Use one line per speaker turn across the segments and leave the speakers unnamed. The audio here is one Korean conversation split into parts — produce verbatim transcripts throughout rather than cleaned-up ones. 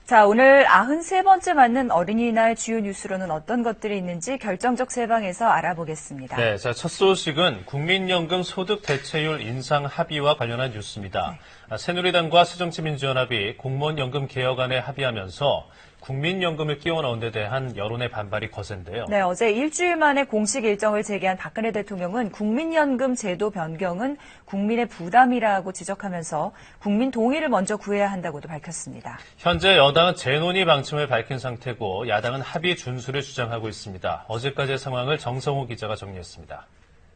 자, 오늘 구십삼 번째 맞는 어린이날 주요 뉴스로는 어떤 것들이 있는지 결정적 세방에서 알아보겠습니다.
네, 자, 첫 소식은 국민연금 소득 대체율 인상 합의와 관련한 뉴스입니다. 네. 새누리당과 새정치민주연합이 공무원연금 개혁안에 합의하면서 국민연금을 끼워 넣은 데 대한 여론의 반발이 거센데요.
네, 어제 일주일 만에 공식 일정을 재개한 박근혜 대통령은 국민연금 제도 변경은 국민의 부담이라고 지적하면서 국민 동의를 먼저 구해야 한다고도 밝혔습니다.
현재 여당은 재논의 방침을 밝힌 상태고 야당은 합의 준수를 주장하고 있습니다. 어제까지의 상황을 정성호 기자가 정리했습니다.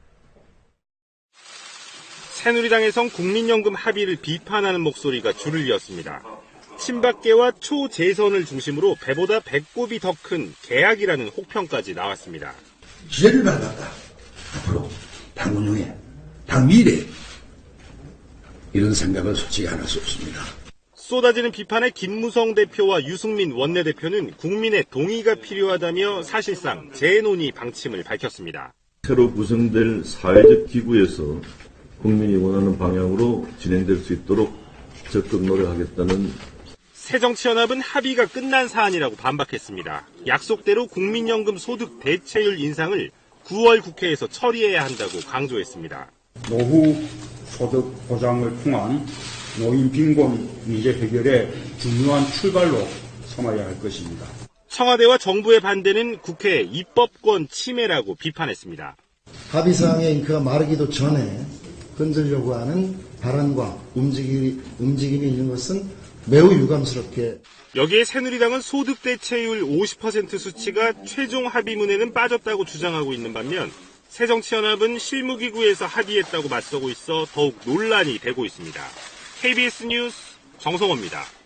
새누리당에선 국민연금 합의를 비판하는 목소리가 줄을 이었습니다. 친박계와 초재선을 중심으로 배보다 배꼽이 더 큰 계약이라는 혹평까지 나왔습니다.
기회를 받았다. 앞으로 당 운영에, 당 미래에 이런 생각은 솔직히 안 할 수 없습니다.
쏟아지는 비판에 김무성 대표와 유승민 원내대표는 국민의 동의가 필요하다며 사실상 재논의 방침을 밝혔습니다.
새로 구성될 사회적 기구에서 국민이 원하는 방향으로 진행될 수 있도록 적극 노력하겠다는.
새정치연합은 합의가 끝난 사안이라고 반박했습니다. 약속대로 국민연금 소득 대체율 인상을 구월 국회에서 처리해야 한다고 강조했습니다.
노후 소득 보장을 통한 노인 빈곤 문제 해결의 중요한 출발로 삼아야 할 것입니다.
청와대와 정부의 반대는 국회 입법권 침해라고 비판했습니다.
합의사항의 잉크가 마르기도 전에 흔들려고 하는 발언과 움직임이, 움직임이 있는 것은 매우 유감스럽게.
여기에 새누리당은 소득 대체율 오십 퍼센트 수치가 최종 합의문에는 빠졌다고 주장하고 있는 반면 새정치연합은 실무기구에서 합의했다고 맞서고 있어 더욱 논란이 되고 있습니다. 케이비에스 뉴스 정성호입니다.